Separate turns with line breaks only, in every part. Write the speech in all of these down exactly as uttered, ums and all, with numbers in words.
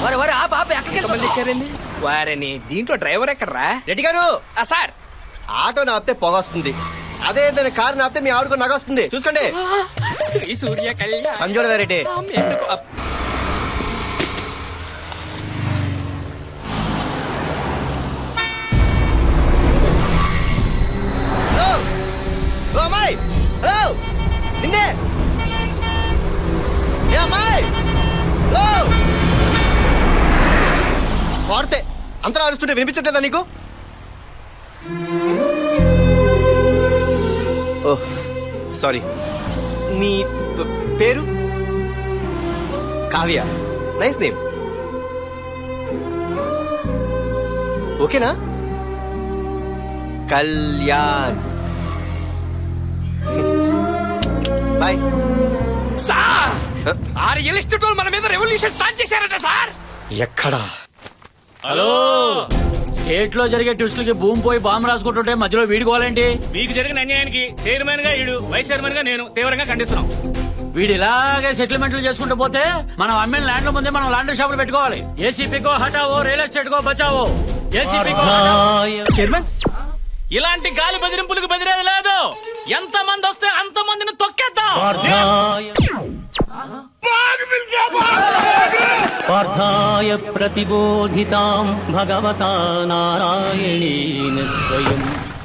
వారని దీంట్లో డ్రైవర్ ఎక్కడరా?
రెడ్డి గారు
సార్,
ఆటో నాపితే పొగ వస్తుంది, అదే ఏదైనా కారు నాపితే మీ ఆవిడకు నగ వస్తుంది. చూసుకోండి.
శ్రీ సూర్య కళ్యాణ్
సంజోడ రెడ్డి. హలో ఓ అమ్మాయి, హలో నిన్నే ఏ అమ్మాయి, హలో వాడితే అంతలా అరుస్తుంటే వినిపించట్లేదా నీకు? Oh sorry. నీ పేరు? కావ్య. Nice name. ఓకేనా? కళ్యాణ్. బాయ్.
సార్, ఆ రియల్ ఎస్టేట్ వాళ్ళు మన మీద రెవల్యూషన్ స్టార్ట్ చేశారట సార్.
ఎక్కడా?
హలో, స్టేట్ లో జరిగే ట్విస్టులకి భూమి పోయి బాంబు రాసుకుంటుంటే మధ్యలో వీడుకోవాలండి.
మీకు జరిగిన అన్యాయానికి చైర్మన్ గా ఈడు, వైస్ చైర్మన్ గా నేను తీవ్రంగా ఖండిస్తున్నాం.
వీడు ఇలాగే సెటిల్మెంట్లు చేసుకుంటూ పోతే మనం అమ్మిన ల్యాండ్ ముందే మనం లాండ్రీ షాపులు పెట్టుకోవాలి. ఏసీపీకో హటావో, రియల్ ఎస్టేట్ కో బచావో. ఏసీపీకో
చైర్మన్, ఇలాంటి గాలి బెదిరింపులకు బెదిరేది లేదు. ఎంత మంది వస్తే అంత మందిని తొక్కేద్దాం.
పార్థాయ ప్రతిబోధితాం భగవతా నారాయణేన స్వయం.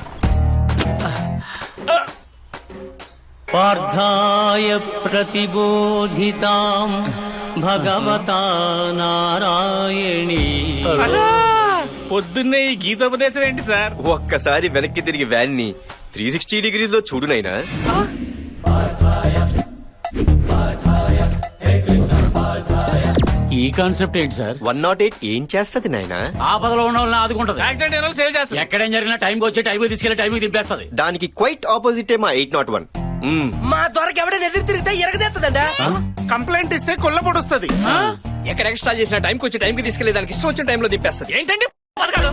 పార్థాయ ప్రతిబోధితాం భగవతా నారాయణేన.
పొద్దున్నే ఈ గీతోపదేశం ఏంటి సార్?
ఒక్కసారి వెనక్కి తిరిగి వ్యాన్ ని త్రీ సిక్స్టీ డిగ్రీస్ లో చూడు నైనా.
ఈ కాన్సెప్ట్ ఏంటి సార్?
వన్ నాట్ ఎయిట్ ఏం చేస్తది నాయనా?
ఆపదలో ఉన్న వాళ్ళని ఆదుకుంటది.
యాక్సిడెంట్ అయిన వాళ్ళు సేవ్ చేస్తారు.
ఎక్కడేం జరిగినా టైంకి వచ్చి టైంకి తీసుకెళ్లి టైంకి దింపేస్తుంది.
దానికి క్వైట్ ఆపోజిటే మా ఎయిట్ నాట్ వన్.
మా దొరకు ఎవడైనా ఎదురు తిరిగితే ఎరగదేస్తుందంట.
కంప్లైంట్ ఇస్తే కొల్ల పొడుస్తుంది.
ఎక్కడ ఎక్స్ట్రా చేసిన టైంకి వచ్చి టైంకి తీసుకెళ్లి దానికి ఇష్టం వచ్చిన టైంలో దింపేస్తుంది.
ఏంటండి పథకాలు?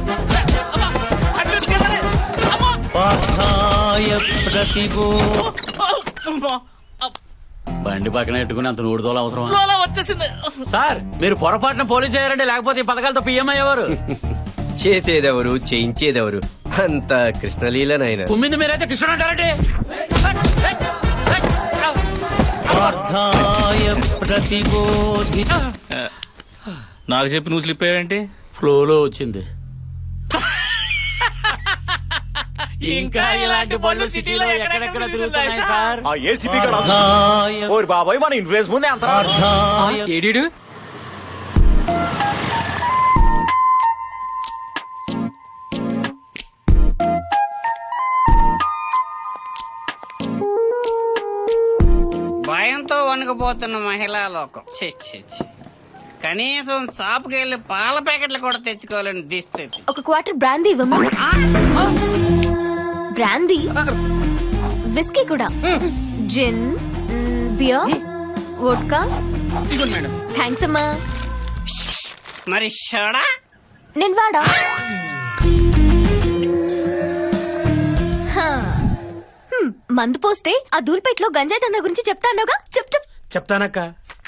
పార్థాయ ప్రతిబో.
బండి పక్కన పెట్టుకుని అంత నూడుదోలు అవసరం
ఫ్లోలో వచ్చేసింది
సార్. మీరు పొరపాటున పోలీస్ అయ్యారంటే లేకపోతే ఈ పథకాలతో పిఎం అయ్యేవారు.
చేసేదెవరు, చేయించేదెవరు? అంత కృష్ణలీలనైనా.
కుమ్మింది మీరైతే కృష్ణుడు అంటారంటే.
పార్థాయ ప్రతిబోధి.
నాకు చెప్పి నువ్వు స్లిప్ అయ్యావేంటి?
ఫ్లోలో వచ్చింది. ఇంకా ఇలాంటి బళ్ళు సిటీలో ఎక్కడెక్కడ తిరుగుతున్నాయి సార్.
ఆ ఏసీపీ
పార్థాయ
ఓరి బాబాయ్, మన ఇన్ఫ్లుయెన్స్ ముందే అంత.
పార్థాయ
ఏడీడు
భయంతో వణుకుపోతున్న మహిళా లోకం. ఛీ, ఛీ, ఛీ. కనీసం షాపుకి వెళ్లి పాల ప్యాకెట్లు కూడా తెచ్చుకోవాలని దిస్థితి.
ఒక క్వార్టర్ బ్రాందీ ఇవ్వమ్మా. బ్రాందీ, విస్కీ కూడా, జిన్, బియర్, వోడ్కా. థ్యాంక్స్ అమ్మా.
మరి షడా
నేను వాడా. హా. హ్మ్, మందు పోస్తే ఆ దూల్పేటలో గంజాయి దందా గురించి చెప్తానుగా. చెప్ చెప్
చెప్తానక్క.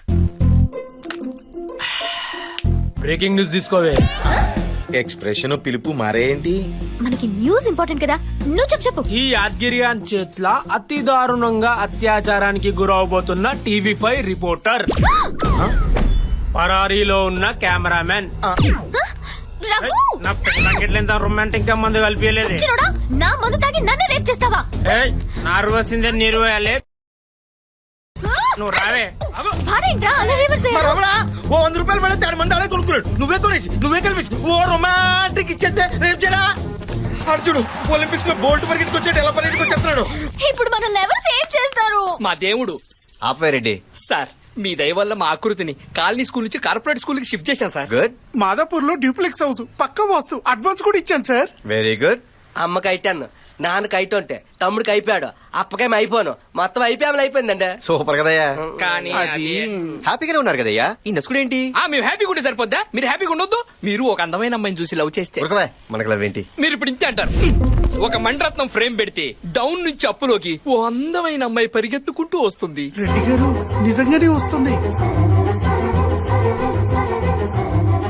బ్రేకింగ్ న్యూస్ తీసుకోవే. ఎక్స్ప్రెషన్ పిలుపు మారేంటి?
మనకి న్యూస్ ఇంపార్టెంట్ కదా, నువ్వు చెప్పు చెప్పు.
ఈ యాద్గిరియాన్ చేట్ల అతి దారుణంగా అత్యాచారానికి గురవబోతున్న టీవీ ఫైవ్ రిపోర్టర్, పరారీలో ఉన్న కెమెరామెన్.
రఘు!
నా పెళ్ళంగిట్లేంత రొమాంటిక్ గా మందు కలిపియలేదు.
చిన్నోడా, నా మందు తాగి నన్ను రేప్ చేస్తావా?
నార్వసిందే నిర్వయాలే. నువ్వు రావే.
భారేంట్రా అలా రివర్స్
ఓ వంద రూపాయలు పడితే ఆడు మంది అలా కొనుక్కున్నాడు. నువ్వే కొనేసి నువ్వే కలిపి ఓ రొమాంటిక్ ఇచ్చేస్తే రేపు చేయడా? అర్జుడు ఒలింపిక్స్ లో బోల్ట్ పరిగెత్తుకు వచ్చాడు, ఎలా పరిగెత్తుకు వచ్చేస్తున్నాడు.
ఇప్పుడు మనల్ని ఎవరు సేవ్ చేస్తారు?
మా దేవుడు.
ఆపే రెడ్డి.
సార్, మీ దయ వల్ల మా ఆకృతిని కాలనీ స్కూల్ నుంచి కార్పొరేట్ స్కూల్ కి షిఫ్ట్ చేశాను సార్.
గుడ్.
మాదాపూర్ లో డ్యూప్లెక్స్ హౌస్ పక్క వాస్తు అడ్వాన్స్ కూడా ఇచ్చాను సార్.
Very good.
అమ్మకి అయిటాను, నాన్నకి అయితుంటే తమ్ముడికి అయిపోయాడు, అప్పకేం అయిపోను, మొత్తం అయిపోయామని అయిపోయిందండి.
సూపర్ కదయ్యా.
కానీ అది
హ్యాపీగానే ఉన్నారు కదయ్యా. ఈ నసుకుడు ఏంటి?
ఆ, మేము హ్యాపీగా ఉంటే సరిపోద్దా? మీరు హ్యాపీగా ఉండొద్దు? మీరు ఒక అందమైన అమ్మాయిని చూసి లవ్ చేస్తే
ఉరకవే, మనకు లవ్ ఏంటి?
మీరు ఇప్పుడు ఇంతే అంటారు. ఒక మండరత్నం ఫ్రేమ్ పెడితే డౌన్ నుంచి అప్పులోకి ఓ అందమైన అమ్మాయి పరిగెత్తుకుంటూ వస్తుంది.
రెడ్డి గారు నిజంగానే వస్తుంది.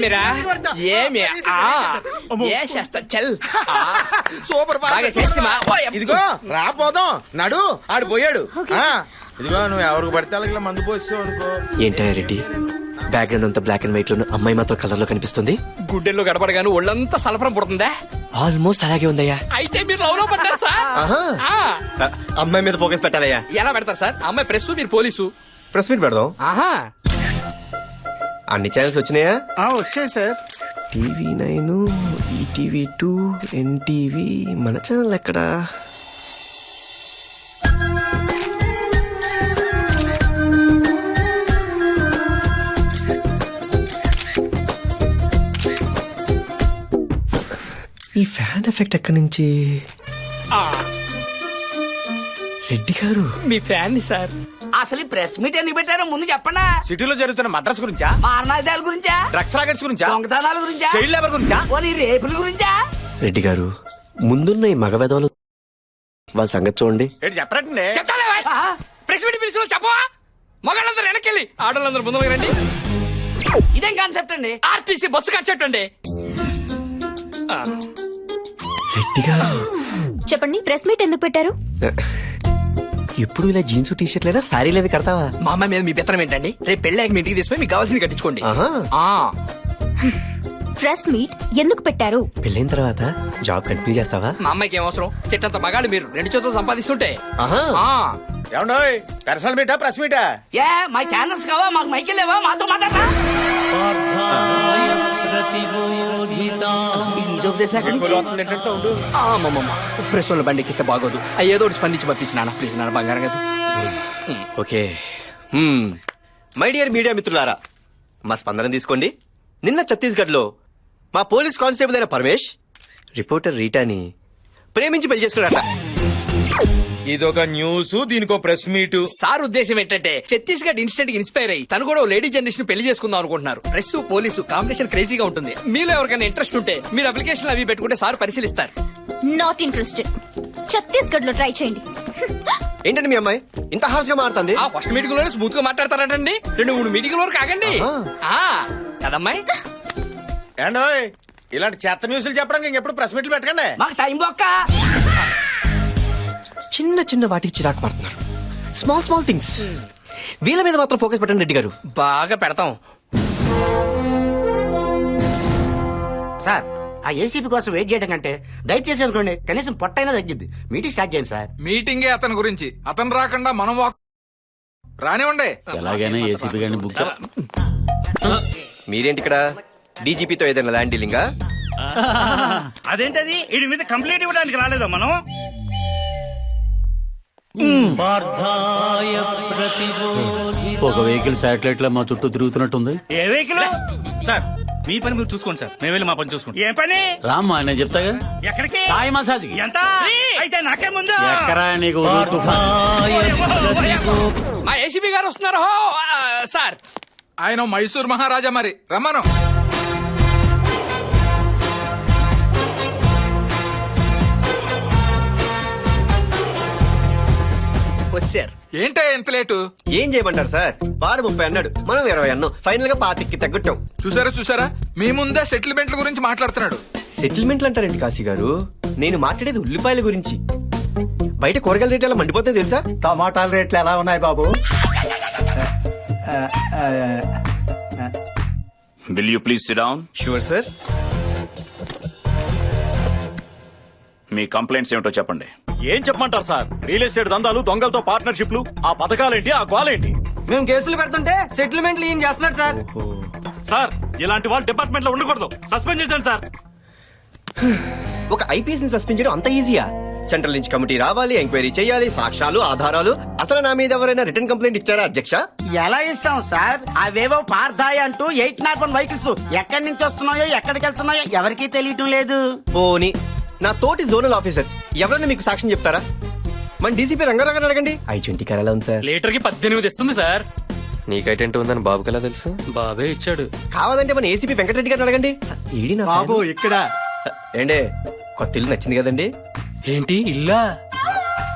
ఏమిరా ఏమి ఆ, ఏ చేస్తా చల్ ఆ,
సూపర్
బాగా చేస్తిమా?
ఇదిగో రా పోదాం నడు ఆడు పోయాడు ఆ, ఇదిగో నువ్వు ఎవరికి పడితే వాళ్ళకి ఇలా మందు పోస్తావు అనుకో.
ఏంటయ్య రెడ్డి బ్యాక్గ్రౌండ్ అంతా బ్లాక్ అండ్ వైట్ లో అమ్మాయి మాత్రం కలర్ లో కనిపిస్తుంది.
గుడ్డెల్లో గడపడగాను ఒళ్ళంతా సలపరం పుడుతుందా?
ఆల్మోస్ట్ అలాగే ఉందయ్యా.
అయితే మీరు లవ్ లో పడ్డారు సార్.
ఆహా.
ఆ,
ఆ, అమ్మాయి మీద ఫోకస్ పెట్టాలయ్యా.
ఎలా పెడతారు సార్? అమ్మాయి ప్రెస్, మీరు పోలీసు.
ప్రెస్ మీట్ పెడదాం.
ఆహా,
అన్ని ఛానల్స్ వచ్చినాయా?
వచ్చాయి sir.
TV nine, ETV two, NTV, మన ఛానల్ ఎక్కడా? ఈ ఫ్యాన్ ఎఫెక్ట్ ఎక్కడి నుంచి?
ఆ,
రెడ్డి గారు
మీ ఫ్యాన్ ని సార్.
అసలు ఈ ప్రెస్ మీట్ ఎందుకు పెట్టారో ముందు చెప్పండా.
సిటీలో జరుగుతున్న మద్రాస్ గురించా,
మారణాదాల గురించా,
డ్రగ్స్ రాకెట్స్ గురించా,
దొంగతనాల గురించా,
చైల్డ్ లేబర్ గురించా?
పోనీ రేపుల గురించా?
రెడ్డి గారు ముందున్న ఈ మగ వెధవలు వాళ్ళ సంగతి చూడండి.
ఏంటి చెప్పరండి.
చెప్తాలే బాయ్. ప్రెస్ మీట్ పిలిచిన చెప్పవా? మగాళ్ళందరూ వెనకెళ్ళి ఆడవాళ్ళందరూ ముందుకు రండి.
ఇదేం కాన్సెప్ట్ అండి?
ఆర్టీసీ బస్సు కట్టండి.
రెడ్డి గారు
చెప్పండి, ప్రెస్ మీట్ ఎందుకు పెట్టారు?
ఎప్పుడు ఇలా జీన్స్ టీ షర్ట్ లేదా శారీలు అవి కడతావా?
మా అమ్మాయి మీద మీ పెత్తనం ఏంటండి? రేపు పెళ్ళాక మీ ఇంటికి తీసుకుని మీకు కావాల్సింది కట్టించుకోండి.
ఆహా.
ఆ,
ప్రెస్ మీట్ ఎందుకు పెట్టారు?
పెళ్ళైన తర్వాత జాబ్ కంటిన్యూ చేస్తావా?
మా అమ్మాయికి ఏం అవసరం? చెట్టంత మగాళ్ళు మీరు రెండు చేతులు సంపాదిస్తుంటే.
ఆహా.
ఆ,
ఏమండోయ్ పర్సనల్ మీటా ప్రెస్ మీటా?
ఏ మా ఛానల్స్ కావా? మాకు మైకిల్ లేవా? మాతో మాట్లాడరా? ఇది ఉపదేశం ఎక్కడి నుంచి?
ఆ, అమ్మమ్మమ్మ. ప్రెస్ వాళ్ళ బండి ఎక్కిస్తే బాగోదు. ఆ, ఏదో ఒకటి స్పందించి పంపించి నాన్న ప్లీజ్, నాన్న బంగారం కదా.
ఓకే. హ్మ్. మై డియర్ మీడియా మిత్రులారా, మా స్పందన తీసుకోండి. నిన్న ఛత్తీస్గఢ్ లో మా పోలీస్ కానిస్టేబుల్ అయిన పరమేష్ రిపోర్టర్ రీటాని ప్రేమించి పెళ్లి చేసుకున్నాడట.
ఇదొక న్యూస్, దీనికో ప్రెస్ మీట్.
సార్ ఉద్దేశం ఏంటంటే ఛత్తీస్గఢ్ ఇన్స్టెంట్ ఇన్స్పైర్ అయ్యి తను కూడా ఓ లేడీ జనరేషన్ పెళ్లి చేసుకుందాం అనుకుంటున్నారు. ప్రెస్ పోలీసు కాంబినేషన్ క్రేజీగా ఉంటుంది. మీలో ఎవరికైనా ఇంట్రెస్ట్ ఉంటే మీరు అప్లికేషన్ అవి పెట్టుకుంటే సార్ పరిశీలిస్తారు.
Not interested. ఛత్తీస్గఢ్ లో ట్రై చేయండి.
ఏంటండి మీ అమ్మాయి ఇంత హార్ష్ గా మారుతుంది?
ఆ ఫస్ట్ మీటింగ్ లోనే స్మూత్ గా మాట్లాడతారటండి. రెండు మూడు మీటింగ్ వరకు ఆగండి. ఆ, కదమ్మాయి?
ఏండోయ్ ఇలాంటి చెత్త న్యూస్లు చెప్పడానికి ఇంకెప్పుడు ప్రెస్ మీట్లు పెట్టకండి.
మాకు టైం బొక్క.
చిన్న చిన్న వాటికి చిరాకు పడుతున్నారు. Small small things. వీళ్ళ మీద మాత్రం ఫోకస్ పెట్టండి రెడ్డి గారు.
బాగా పెడతాం.
సార్ ఆ ఏసీపీ కోసం వెయిట్ చేయడం కంటే దయచేసి అనుకోండి కనీసం పొట్టైనా తగ్గిద్ది. మీటింగ్ స్టార్ట్ చేయండి సార్.
మీటింగే అతని గురించి, అతను రాకుండా మనం వాక్ రానివ్వండి.
ఎలాగైనా ఏసీపీ గారిని బుక్
మీరేంటి ఇక్కడ? డీజీపీతో ఏదైనా ల్యాండ్ డీలింగా?
అదేంటది వీడి మీద కంప్లైంట్ ఇవ్వడానికి రాలేదా మనం?
పార్థాయ ప్రతిబోధి
ఒక వెహికల్ శాటిలైట్ లో మా చుట్టూ తిరుగుతున్నట్టుంది.
ఏ వెహికల్?
సార్ మీ పని మీరు చూసుకోండి సార్, మేము వెళ్ళి మా పని చూసుకుంటాం.
ఏ పని?
రామ్మా నేను చెప్తాగా.
ఎక్కడికి?
సాయి మసాజ్ కి.
ఎంత? అయితే నాకే ముందు.
ఎక్కరా నీకు ఉదురు తుఫాన్.
మా ఏసీపీ గారు వస్తున్నారు. హో, ఆ, సార్
ఆయన మైసూర్ మహారాజా, మరి రమ్మను.
వచ్చారు.
ఏంటే ఎంత లేటు?
ఏం చేయమంటారు సార్? వాడు ముప్పై అన్నాడు, మనం ఇరవై అన్నాం. ఫైనల్ గా పాతికి తగ్గట్టాం.
చూసారా చూసారా, మీ ముందే సెటిల్మెంట్ల గురించి మాట్లాడుతున్నాడు.
సెటిల్మెంట్లు అంటారండి కాశీ గారు? నేను మాట్లాడేది ఉల్లిపాయల గురించి. బయట కూరగాయల రేట్లు ఎలా మండిపోతాయి తెలుసా?
టమాటాల రేట్లు ఎలా ఉన్నాయి బాబు?
Will you please sit down?
Sure sir.
మీ కంప్లైంట్స్ ఏమిటో చెప్పండి.
ఏం చెప్పమంటారు సార్? రియల్ ఎస్టేట్ దందాలు, దొంగలతో పార్ట్నర్షిప్లు, ఆ పథకాలేంటి, ఆ గోలేంటి?
మేము కేసులు పెడుతుంటే సెటిల్మెంట్లు ఏం చేస్తున్నారు సార్?
సార్ ఇలాంటి వాళ్ళు డిపార్ట్మెంట్ లో ఉండకూడదు, సస్పెండ్ చేశాను సార్.
ఒక ఐపీఎస్ ని సస్పెండ్ చేయడం అంత ఈజీయా? సెంట్రల్ నుంచి కమిటీ రావాలి, ఎంక్వైరీ చేయాలి, సాక్ష్యాలు, ఆధారాలు. అసలు నా మీద ఎవరైనా రిటర్న్ కంప్లైంట్ ఇచ్చారా అధ్యక్ష?
ఎలా ఇస్తాం సార్? అవేవో పార్థాయి అంటూ ఎయిట్ నాట్ వన్ వెహికల్స్ ఎక్కడి నుంచి వస్తున్నాయో ఎక్కడికి వెళ్తున్నాయో ఎవరికీ తెలియటం లేదు.
పోనీ నా తోటి జోనల్ ఆఫీసర్ ఎవరైనా మీకు సాక్ష్యం చెప్తారా? మన డీసీపీ రంగారావు అడగండి. ఐ ట్వంటీ కార్ ఎలా ఉంది సార్?
లీటర్ కి పద్దెనిమిది ఇస్తుంది సార్.
నీకైటెంట్ ఉందని బాబుకి ఎలా తెలుసు?
బాబే ఇచ్చాడు.
కావాలంటే మన ఏసీపీ వెంకటరెడ్డి గారిని అడగండి. ఈడి నా
బాబు ఇక్కడ
ఏండే కొత్త ఇల్లు నచ్చింది కదండి?
ఏంటి ఇల్లా?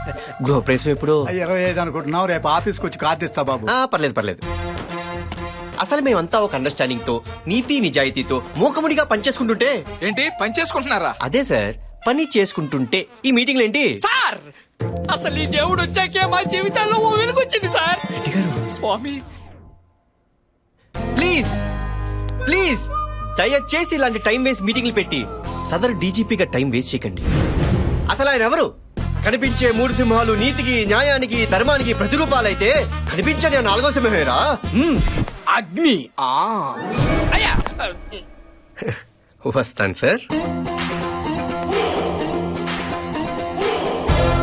గృహప్రవేశం ఎప్పుడు?
ఇరవై ఐదు అనుకుంటున్నావు, రేపు ఆఫీస్కి వచ్చి కార్డు ఇస్తా బాబు.
ఆ, పర్లేదు పర్లేదు. అసలు మేమంతా ఒక అండర్స్టాండింగ్ తో నీతి నిజాయితీతో మూకముడిగా పనిచేసుకుంటుంటే
ఏంటి పని చేసుకుంటున్నారా?
అదే సార్ పని చేసుకుంటుంటే ఈ మీటింగ్లు ఏంటి
సార్ అసలు ఈ దేవుడు వచ్చాకే మా జీవితాల్లో ఓ వెలుగొచ్చింది సార్. స్వామి
ప్లీజ్ ప్లీజ్ దయచేసి ఇలాంటి టైం వేస్ట్ మీటింగ్లు పెట్టి సదరు డీజీపీగా టైం వేస్ట్ చేయకండి. అసలు ఆయన ఎవరు? కనిపించే మూడు సింహాలు నీతికి న్యాయానికి ధర్మానికి ప్రతిరూపాలైతే కనిపించని ఆ నాలుగో సింహమేరా. మ్మ్.
అగ్ని ఆ అయ్యా
వస్తాను సార్.